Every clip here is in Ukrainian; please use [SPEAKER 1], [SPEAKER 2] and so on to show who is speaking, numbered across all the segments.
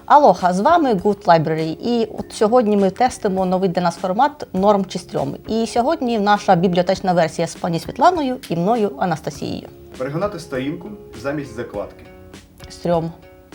[SPEAKER 1] Алоха, з вами Good Library. І от сьогодні ми тестимо новий для нас формат «Норм чи стрьом». І сьогодні наша бібліотечна версія з пані Світланою і мною Анастасією.
[SPEAKER 2] Перегинати сторінку замість закладки.
[SPEAKER 1] Стрьом.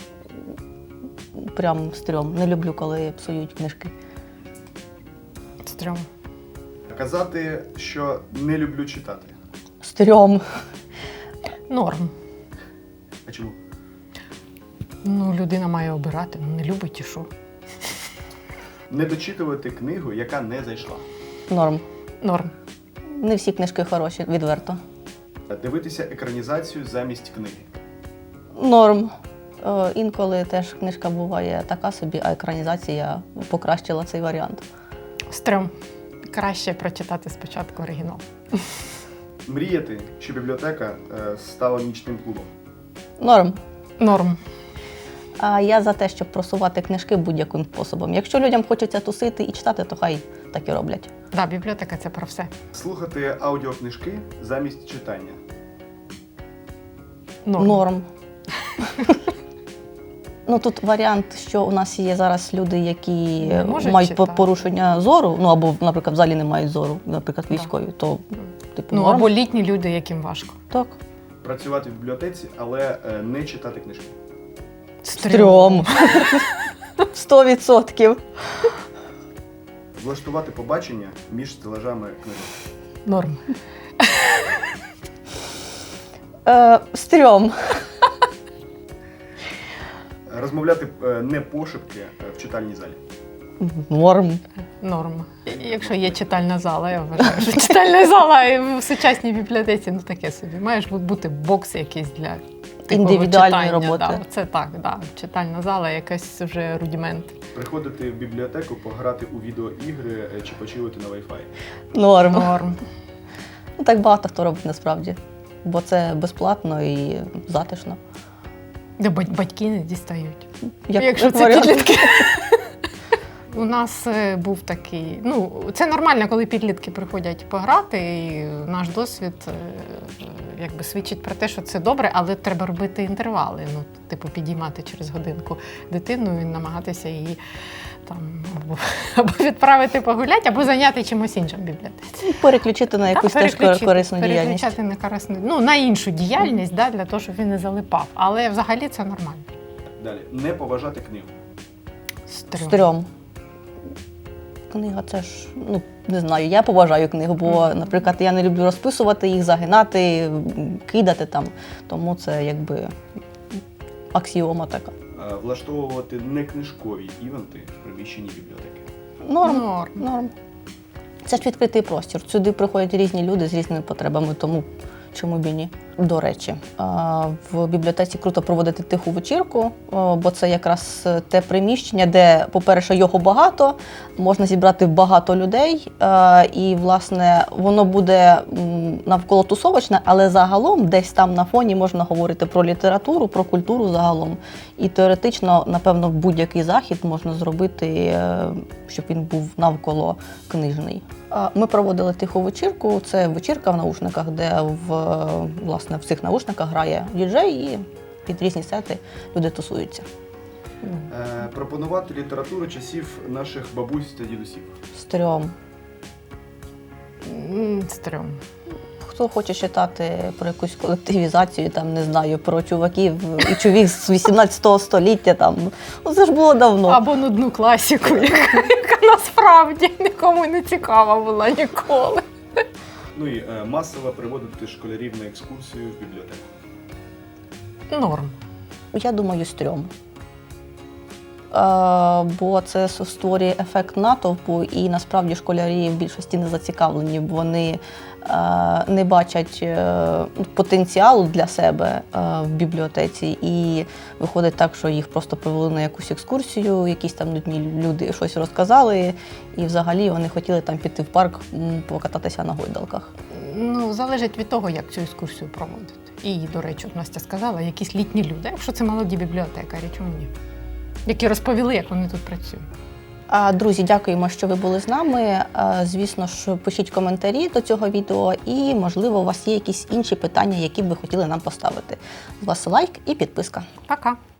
[SPEAKER 1] Прям стрьом. Не люблю, коли псують книжки.
[SPEAKER 3] Стрьом.
[SPEAKER 2] Казати, що не люблю читати.
[SPEAKER 1] Стрьом.
[SPEAKER 3] Норм.
[SPEAKER 2] А чому?
[SPEAKER 3] Ну, людина має обирати, не любить і що.
[SPEAKER 2] Не дочитувати книгу, яка не зайшла.
[SPEAKER 1] Норм.
[SPEAKER 3] Норм.
[SPEAKER 1] Не всі книжки хороші, відверто.
[SPEAKER 2] Дивитися екранізацію замість книги.
[SPEAKER 1] Норм. Інколи теж книжка буває така собі, а екранізація покращила цей варіант.
[SPEAKER 3] Стрьом. Краще прочитати спочатку оригінал.
[SPEAKER 2] Мріяти, що бібліотека стала нічним клубом.
[SPEAKER 1] Норм.
[SPEAKER 3] Норм.
[SPEAKER 1] А я за те, щоб просувати книжки будь-яким способом. Якщо людям хочеться тусити і читати, то хай так і роблять.
[SPEAKER 3] Да, бібліотека – це про все.
[SPEAKER 2] Слухати аудіокнижки замість читання.
[SPEAKER 1] Норм. Ну, тут варіант, що у нас є зараз люди, які мають
[SPEAKER 3] читати.
[SPEAKER 1] порушення зору, ну або, наприклад, взагалі не мають зору, наприклад, військові, то типу норм.
[SPEAKER 3] Або літні люди, яким важко.
[SPEAKER 1] Так.
[SPEAKER 2] Працювати в бібліотеці, але не читати книжки.
[SPEAKER 1] Стрьом. 100%.
[SPEAKER 2] Влаштувати побачення між стелажами книжок.
[SPEAKER 3] Норм.
[SPEAKER 1] Стрьом.
[SPEAKER 2] Розмовляти не пошепки в читальній залі.
[SPEAKER 1] Норм.
[SPEAKER 3] Норм. Якщо є читальна зала, я вважаю, що читальна зала в сучасній бібліотеці, ну таке собі. Маєш бути бокс якийсь для
[SPEAKER 1] Індивідуальної
[SPEAKER 3] читання,
[SPEAKER 1] роботи.
[SPEAKER 3] Да. Це так, да. Читальна зала, якась вже рудимент.
[SPEAKER 2] Приходити в бібліотеку, пограти у відеоігри чи почилити на Wi-Fi.
[SPEAKER 1] Норм.
[SPEAKER 3] Норм.
[SPEAKER 1] Ну, так багато хто робить насправді, бо це безплатно і затишно.
[SPEAKER 3] Де батьки не дістають.
[SPEAKER 1] Як
[SPEAKER 3] Якщо це
[SPEAKER 1] варіант.
[SPEAKER 3] підлітки. У нас був такий, ну, це нормально, коли підлітки приходять пограти, і наш досвід якби свідчить про те, що це добре, але треба робити інтервали, ну, типу підіймати через годинку дитину і намагатися її там або відправити погуляти, або зайняти чимось іншим в бібліотеці.
[SPEAKER 1] Переключити на якусь теж корисну діяльність.
[SPEAKER 3] Переключати на корисну, ну, на іншу діяльність, да, для того, щоб він не залипав. Але взагалі це нормально.
[SPEAKER 2] Далі. Не поважати книгу.
[SPEAKER 1] Стрьом. Книга це ж, ну, не знаю, я поважаю книгу, бо, наприклад, я не люблю розписувати їх, загинати, кидати там. Тому це якби аксіома така.
[SPEAKER 2] Влаштовувати некнижкові івенти в приміщенні бібліотеки.
[SPEAKER 1] Норм. Це ж відкритий простір. Сюди приходять різні люди з різними потребами, тому чому б і ні. До речі, в бібліотеці круто проводити тиху вечірку, бо це якраз те приміщення, де, по-перше, його багато, можна зібрати багато людей, і, власне, воно буде навколо тусовочне, але загалом десь там на фоні можна говорити про літературу, про культуру загалом. І теоретично, напевно, будь-який захід можна зробити, щоб він був навколо книжний. Ми проводили тиху вечірку. Це вечірка в наушниках, де власне в цих наушниках грає діджей і під різні сети люди тусуються.
[SPEAKER 2] Пропонувати літературу часів наших бабусь та дідусів.
[SPEAKER 1] Стрьом.
[SPEAKER 3] Стрьом.
[SPEAKER 1] Хто хоче читати про якусь колективізацію, там, не знаю, про чуваків і чувіх з 18 століття, там, ну, це ж було давно.
[SPEAKER 3] Або нудну класіку, яка насправді нікому не цікава була ніколи.
[SPEAKER 2] Ну і масово приводити школярів на екскурсію в бібліотеку.
[SPEAKER 3] Норм.
[SPEAKER 1] Я думаю, стрьом. Бо це створює ефект натовпу, і насправді школярі в більшості не зацікавлені, бо вони не бачать потенціалу для себе в бібліотеці. І виходить так, що їх просто привели на якусь екскурсію, якісь там нудні люди щось розказали, і взагалі вони хотіли там піти в парк, покататися на гойдалках.
[SPEAKER 3] Ну, залежить від того, як цю екскурсію проводити. І, до речі, от Настя сказала, якісь літні люди, якщо це молоді бібліотекарі, чому ні? Які розповіли, як вони тут працюють.
[SPEAKER 1] Друзі, дякуємо, що ви були з нами. Звісно ж, пишіть коментарі до цього відео і, можливо, у вас є якісь інші питання, які б ви хотіли нам поставити. З вас лайк і підписка.
[SPEAKER 3] Пока!